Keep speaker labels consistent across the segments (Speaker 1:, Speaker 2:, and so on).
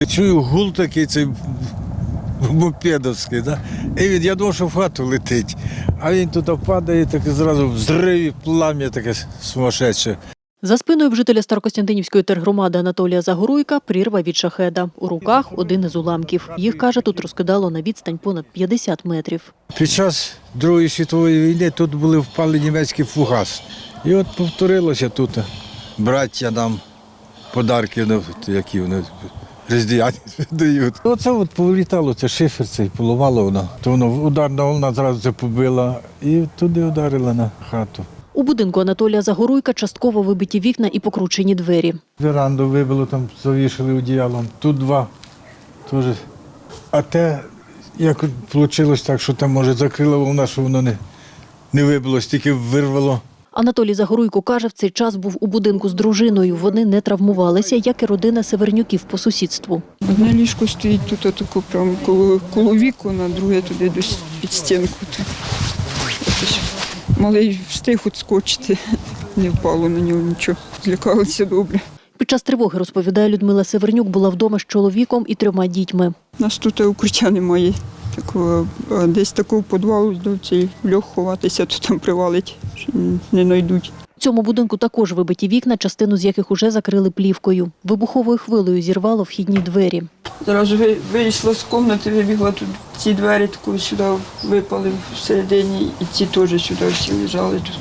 Speaker 1: Чую гул такий, цей мопедовський, да? І я думав, що в хату летить. А він туди падає, так і зразу взрив, і плам'я таке сумасшедше.
Speaker 2: За спиною в жителя Старокостянтинівської тергромади Анатолія Загоруйка прірва від шахеда. У руках один із уламків. Їх, каже, тут розкидало на відстань понад 50 метрів.
Speaker 1: Під час Другої світової війни тут були впали німецькі фугас. І от повторилося тут. Браття нам подарки, які вони різдвяні дають. Оце от повилітало, це шифер цей, поламало воно. То воно ударна волна зразу це побила і туди ударила на хату.
Speaker 2: У будинку Анатолія Загоруйка частково вибиті вікна і покручені двері.
Speaker 1: Веранду вибило, там завішали одіялом. Тут два теж. А те, як вийшло так, що там, може, закрила волна, що воно не вибило, тільки вирвало.
Speaker 2: Анатолій Загоруйко каже, в цей час був у будинку з дружиною. Вони не травмувалися, як і родина Севернюків по сусідству.
Speaker 3: Одне ліжко стоїть тут отако прямо коло вікна, друге туди десь під стінку. Ось малий встиг відскочити, не впало на нього нічого, злякалися добре.
Speaker 2: Під час тривоги, розповідає Людмила Севернюк, була вдома з чоловіком і 3 дітьми.
Speaker 3: У нас тут укриття немає. Такого, десь такого підвалу до цей льох ховатися, то там привалить, не знайдуть.
Speaker 2: В цьому будинку також вибиті вікна, частину з яких уже закрили плівкою. Вибуховою хвилею зірвало вхідні двері.
Speaker 3: Зразу вийшла з кімнати, вибігла тут, ці двері таку сюди випали всередині, і ці теж сюди всі лежали. Тут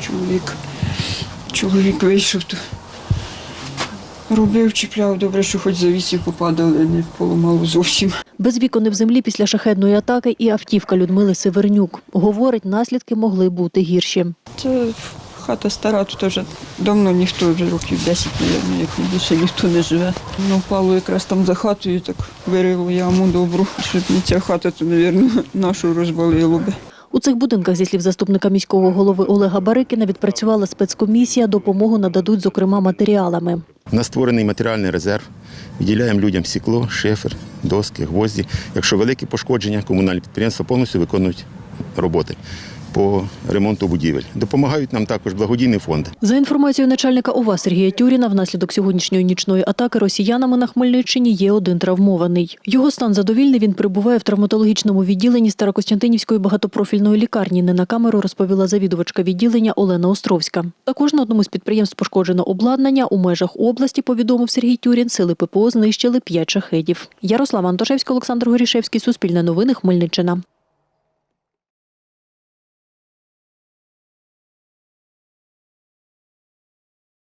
Speaker 3: чоловік вийшов, то робив, чіпляв, добре, що хоч завісів попадали, не поламало зовсім.
Speaker 2: Без вікон і в землі після шахедної атаки і автівка Людмили Севернюк. Говорить, наслідки могли бути гірші.
Speaker 3: Це хата стара, тут вже давно ніхто, вже років 10, мабуть, як не більше ніхто не живе. Ну, впало якраз там за хатою, так вирило яму добру, щоб не ця хата, то, мабуть, нашу розвалило би.
Speaker 2: У цих будинках, зі слів заступника міського голови Олега Барикіна, відпрацювала спецкомісія, допомогу нададуть, зокрема, матеріалами.
Speaker 4: У нас створений матеріальний резерв, виділяємо людям стекло, шифер, доски, гвозді. Якщо великі пошкодження, комунальні підприємства повністю виконують роботи по ремонту будівель. Допомагають нам також благодійні фонди.
Speaker 2: За інформацією начальника ОВА Сергія Тюріна, внаслідок сьогоднішньої нічної атаки росіянами на Хмельниччині є один травмований. Його стан задовільний, він перебуває в травматологічному відділенні Старокостянтинівської багатопрофільної лікарні. Не на камеру розповіла завідувачка відділення Олена Островська. Також на одному з підприємств пошкоджено обладнання. У межах області, повідомив Сергій Тюрін, сили ППО знищили 5 шахедів. Ярослава Антошевська, Олександр Горішевський, Суспільне новини, Хмельниччина.